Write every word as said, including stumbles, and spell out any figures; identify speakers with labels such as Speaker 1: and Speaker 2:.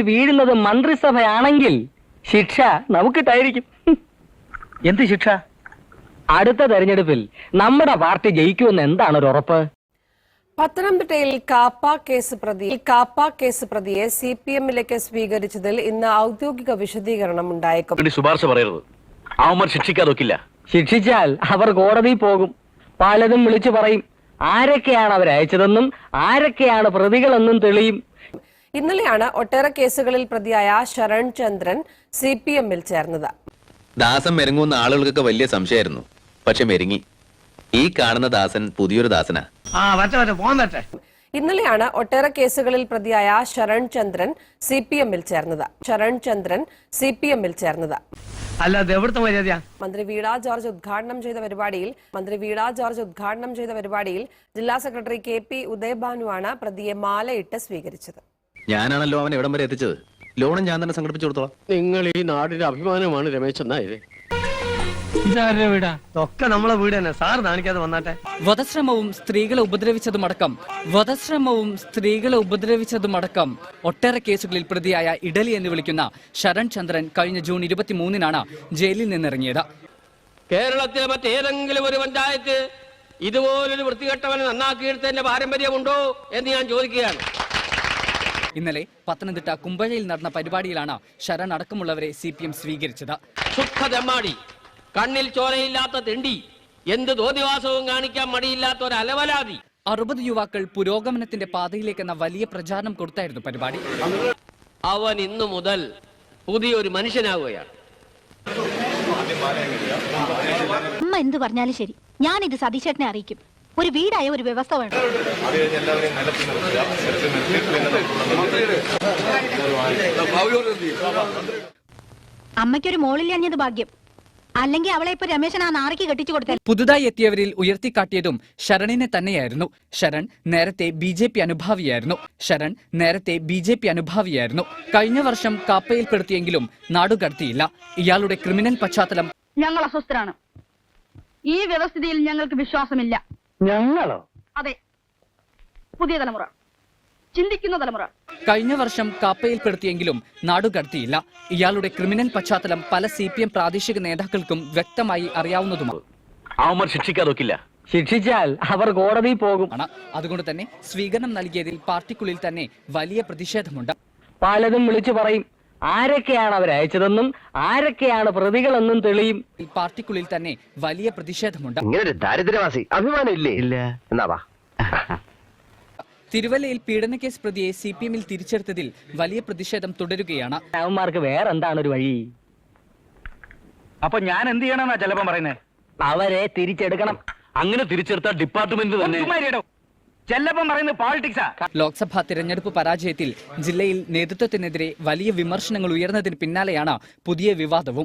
Speaker 1: വീഴുന്നത് മന്ത്രിസഭയാണെങ്കിൽ ശിക്ഷ നമുക്കിട്ടായിരിക്കും.
Speaker 2: എന്ത് ശിക്ഷ?
Speaker 1: അടുത്ത തെരഞ്ഞെടുപ്പിൽ നമ്മുടെ പാർട്ടി ജയിക്കുമെന്ന് എന്താണ് ഒരു ഉറപ്പ്?
Speaker 3: പത്തനംതിട്ടയിൽ കാപ്പ കേസ് പ്രതി കാപ്പ കേസ് പ്രതിയെ സി പി എമ്മിലേക്ക് സ്വീകരിച്ചതിൽ ഇന്ന് ഔദ്യോഗിക വിശദീകരണം ഉണ്ടായേക്കും.
Speaker 2: ശുപാർശ പറയരുത്, അവന്മാർ ശിക്ഷിക്കാതൊക്കില്ല.
Speaker 1: ശിക്ഷിച്ചാൽ അവർ കോടതിയിൽ പോകും. പലതും വിളിച്ചു പറയും. ആരൊക്കെയാണ് അവരയച്ചതെന്നും ആരൊക്കെയാണ് പ്രതികളെന്നും തെളിയും.
Speaker 3: ഇന്നലെയാണ് ഒട്ടേറെ കേസുകളിൽ പ്രതിയായ ശരൺ ചന്ദ്രൻ സി പി എമ്മിൽ ചേർന്നത്.
Speaker 4: ദാസൻ മെരുങ്ങുന്ന ആളുകൾക്കൊക്കെ വലിയ സംശയമായിരുന്നു. പക്ഷെ മെരുങ്ങി. ഈ കാണുന്ന ദാസൻ പുതിയൊരു ദാസനാ.
Speaker 3: ഇന്നലെയാണ് ഒട്ടേറെ കേസുകളിൽ പ്രതിയായ ശരൺ ചന്ദ്രൻ സി പി എമ്മിൽ ചേർന്നത്. ശരൺ ചന്ദ്രൻ സി പി എമ്മിൽ ചേർന്നത് മന്ത്രി വീണ ജോർജ് ഉദ്ഘാടനം ചെയ്ത പരിപാടിയിൽ മന്ത്രി വീണ ജോർജ് ഉദ്ഘാടനം ചെയ്ത പരിപാടിയിൽ ജില്ലാ സെക്രട്ടറി കെ പി ഉദയഭാനുവാണ് പ്രതിയെ മാലയിട്ട് സ്വീകരിച്ചത്.
Speaker 4: ഞാനാണല്ലോ അവൻ എവിടം വരെ എത്തിച്ചത്. ലോണും ഞാൻ തന്നെ സംഘടിപ്പിച്ചു കൊടുത്തോളാം.
Speaker 5: നിങ്ങൾ ഈ നാടിന്റെ അഭിമാനമാണ് രമേശൻ നായരെ.
Speaker 2: ഇതാരുടെ വീടാ? ഒക്കെ നമ്മളെ വീട് തന്നെ. സാർ കാണിക്കാതെ വന്നാട്ടെ.
Speaker 6: വധശ്രമവും സ്ത്രീകളെ ഉപദ്രവിച്ചതുമടക്കം വധശ്രമവും സ്ത്രീകളെ ഉപദ്രവിച്ചതുമടക്കം ഒട്ടേറെ കേസുകളിൽ പ്രതിയായ ഇഡലി എന്ന് വിളിക്കുന്ന ശരൺ ചന്ദ്രൻ കഴിഞ്ഞ ജൂൺ ഇരുപത്തിമൂന്നിനാണ് ജയിലിൽ നിന്നിറങ്ങിയത്.
Speaker 5: കേരളത്തിലെ മറ്റേതെങ്കിലും ഒരു പഞ്ചായത്ത് ഇതുപോലൊരു വൃത്തികെട്ടവനെ നന്നാക്കിയെടുത്തതിന്റെ പാരമ്പര്യമുണ്ടോ എന്ന് ഞാൻ ചോദിക്കുകയാണ്.
Speaker 6: ഇന്നലെ പത്തനംതിട്ട കുമ്പഴയിൽ നടന്ന പരിപാടിയിലാണ് ശരൺ അടക്കമുള്ളവരെ സി പി എം സ്വീകരിച്ചത്.
Speaker 5: സുഖതെമ്മാടി, കണ്ണിൽ ചോരയില്ലാത്ത തെണ്ടി, എന്ത് തോന്നിവാസവും കാണിക്കാൻ മടിയില്ലാത്ത ഒരു അലവലാതി.
Speaker 6: അറുപത് യുവാക്കൾ പുരോഗമനത്തിന്റെ പാതയിലേക്കെന്ന വലിയ പ്രചാരണം കൊടുത്തായിരുന്നു പരിപാടി.
Speaker 5: അവൻ ഇന്നു മുതൽ പുതിയൊരു മനുഷ്യനാവുകയാണ്.
Speaker 7: അമ്മ എന്ത് പറഞ്ഞാലും ശരി, ഞാനിത് സതീശേട്ടനെ അറിയിക്കും. ഒരു വീടായ ഒരു വ്യവസ്ഥ വേണം. അമ്മയ്ക്കൊരു മോളില്ലഞ്ഞത് ഭാഗ്യം. അല്ലെങ്കിൽ അവളെ ഇപ്പൊ രമേശൻ ആ നാറിക്ക് കെട്ടിച്ചു കൊടുത്ത.
Speaker 6: പുതുതായി എത്തിയവരിൽ ഉയർത്തിക്കാട്ടിയതും ശരണിനെ തന്നെയായിരുന്നു. ശരൺ നേരത്തെ ബി ജെ പി അനുഭാവിയായിരുന്നു. ശരൺ നേരത്തെ ബി ജെ പി അനുഭാവിയായിരുന്നു കഴിഞ്ഞ വർഷം കാപ്പയിൽപ്പെടുത്തിയെങ്കിലും നാടുകടത്തിയില്ല. ഇയാളുടെ ക്രിമിനൽ പശ്ചാത്തലം.
Speaker 7: ഞങ്ങൾ അസ്വസ്ഥരാണ്. ഈ വ്യവസ്ഥിതിയിൽ ഞങ്ങൾക്ക് വിശ്വാസമില്ല.
Speaker 1: ഞങ്ങളോ?
Speaker 7: അതെ, പുതിയ തലമുറ, ചിന്തിക്കുന്ന തലമുറ.
Speaker 6: കഴിഞ്ഞ വർഷം കാപ്പയിൽപ്പെടുത്തിയെങ്കിലും നാടുകടത്തിയില്ല. ഇയാളുടെ ക്രിമിനൽ പശ്ചാത്തലം പല സി പി എം പ്രാദേശിക നേതാക്കൾക്കും വ്യക്തമായി അറിയാവുന്നതുമാണ്.
Speaker 2: അവന്മാർ ശിക്ഷിക്കാതൊക്കില്ല.
Speaker 1: ശിക്ഷിച്ചാൽ അവർ കോടതിയിൽ പോകും.
Speaker 6: അതുകൊണ്ട് തന്നെ സ്വീകരണം നൽകിയതിൽ പാർട്ടിക്കുള്ളിൽ തന്നെ വലിയ പ്രതിഷേധമുണ്ട്.
Speaker 1: പലതും വിളിച്ചു പറയും. ആരൊക്കെയാണ് അവരയച്ചതെന്നും ആരൊക്കെയാണ് പ്രതികളെന്നും തെളിയും.
Speaker 6: പാർട്ടിക്കുള്ളിൽ തന്നെ വലിയ പ്രതിഷേധമുണ്ട്.
Speaker 8: ഇങ്ങനൊരു ദാരിദ്ര്യവാസി അഭിമാനം ഇല്ലേ? ഇല്ല. എന്നാ വാ.
Speaker 6: തിരുവല്ലയിൽ പീഡനക്കേസ് പ്രതിയെ സി പി എമ്മിൽ തിരിച്ചെടുത്തതിൽ വലിയ പ്രതിഷേധം തുടരുകയാണ്.
Speaker 1: അവന്മാർക്ക് വേറെന്താണ് ഒരു വഴി?
Speaker 2: അപ്പൊ ഞാൻ എന്ത് ചെയ്യണമെന്നാ ചിലപ്പം പറയുന്നേ?
Speaker 1: അവരെ തിരിച്ചെടുക്കണം.
Speaker 2: അങ്ങനെ തിരിച്ചെടുത്ത ഡിപ്പാർട്ട്മെന്റ് തന്നെ ചെല്ലപ്പം പറയുന്നത് പോളിറ്റിക്സാ.
Speaker 6: ലോക്സഭാ തിരഞ്ഞെടുപ്പ് പരാജയത്തിൽ ജില്ലയിൽ നേതൃത്വത്തിനെതിരെ വലിയ വിമർശനങ്ങൾ ഉയർന്നതിന് പിന്നാലെയാണ് പുതിയ വിവാദവും.